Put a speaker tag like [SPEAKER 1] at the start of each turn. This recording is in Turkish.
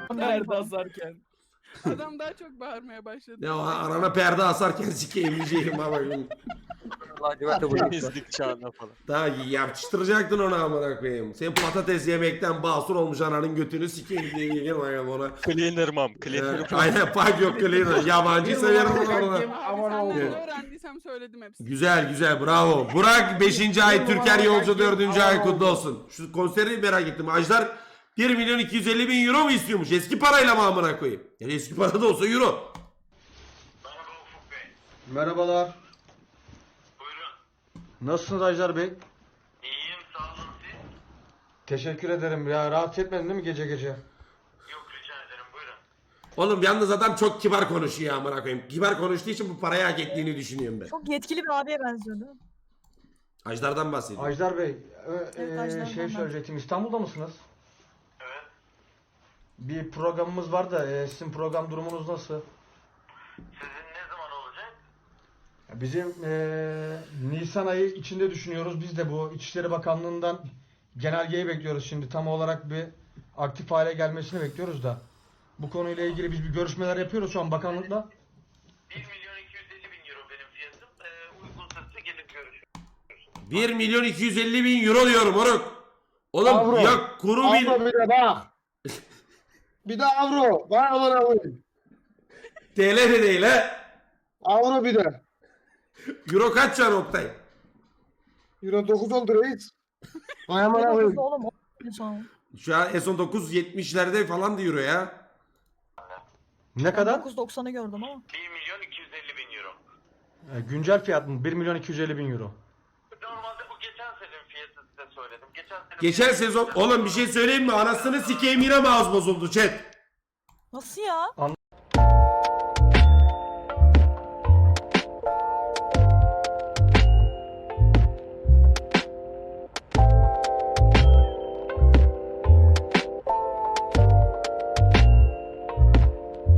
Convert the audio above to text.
[SPEAKER 1] Perde asarken.
[SPEAKER 2] Adam daha çok bağırmaya başladı.
[SPEAKER 3] Ya arana perde asarken sikeyim diyeceğim ama.
[SPEAKER 4] Temizlik çağına falan.
[SPEAKER 3] Daha yapıştıracaktın onu amına koyayım. Sen patates yemekten basur olmuş ananın götünü sikeyim diye diyeceğim ona.
[SPEAKER 4] Cleaner mom.
[SPEAKER 3] Aynen pak yok cleaner. Yabancı severim onu orada.
[SPEAKER 2] Abi
[SPEAKER 1] Aman
[SPEAKER 2] senden
[SPEAKER 1] oldu.
[SPEAKER 2] ne öğrendiysem söyledim hepsini.
[SPEAKER 3] Güzel güzel bravo. Burak 5. ay Türker Yolcu 4. ay kutlu olsun. Şu konseri merak ettim. Ajdar 1.250.000 euro mu istiyormuş? Eski parayla mı amına koyayım? Yani eski para da olsa euro.
[SPEAKER 5] Merhaba Ufuk Bey.
[SPEAKER 6] Merhabalar.
[SPEAKER 5] Buyurun.
[SPEAKER 6] Nasılsınız Ajdar Bey?
[SPEAKER 5] İyiyim, sağ olun siz.
[SPEAKER 6] Teşekkür ederim. Ya rahatsız etmedin değil mi gece gece?
[SPEAKER 5] Yok, rica ederim, buyurun.
[SPEAKER 3] Oğlum yalnız adam çok kibar konuşuyor amına koyayım. Kibar konuştuğu için bu parayı hak ettiğini düşünüyorum ben.
[SPEAKER 7] Çok yetkili bir abiye benziyordu.
[SPEAKER 3] Ajdar'dan bahsediyorum.
[SPEAKER 6] Ajdar Bey,
[SPEAKER 7] Evet, Ajdar'dan
[SPEAKER 6] şey
[SPEAKER 7] ben.
[SPEAKER 6] söyleyecektim. İstanbul'da mısınız?
[SPEAKER 5] Evet.
[SPEAKER 6] Bir programımız var da sizin program durumunuz nasıl?
[SPEAKER 5] Sizin ne zaman olacak?
[SPEAKER 6] Bizim Nisan ayı içinde düşünüyoruz. Biz de bu İçişleri Bakanlığı'ndan genelgeyi bekliyoruz şimdi. Tam olarak bir aktif hale gelmesini bekliyoruz da. Bu konuyla ilgili biz bir görüşmeler yapıyoruz şu an bakanlıkla.
[SPEAKER 5] 1.250.000 euro benim fiyatım. Uygunsa size gelip görüşürüz.
[SPEAKER 3] 1.250.000 euro diyorum moruk. Oğlum
[SPEAKER 1] Avro.
[SPEAKER 3] ya kuru bir...
[SPEAKER 1] Avro bir de bak. Bir de avro. Vay amına koyayım.
[SPEAKER 3] TL de değil ha.
[SPEAKER 1] Avro bir de.
[SPEAKER 3] Euro kaç can Oktay?
[SPEAKER 1] Euro 9 oldu reis. Vay amına
[SPEAKER 7] Ne
[SPEAKER 1] koyayım.
[SPEAKER 7] oğlum? O sonra.
[SPEAKER 3] Şu an S19 70'lerde falan da euro ya.
[SPEAKER 6] Ne kadar?
[SPEAKER 7] 9.90'ı gördüm ama.
[SPEAKER 5] 1.250.000 euro.
[SPEAKER 6] Güncel fiyat mı? 1.250.000 euro.
[SPEAKER 5] Normalde bu geçen senenin fiyatı size söyledim.
[SPEAKER 3] Geçen sezon oğlum bir şey söyleyeyim mi? Anasını sikeyim yine mouse bozuldu chat.
[SPEAKER 7] Nasıl ya?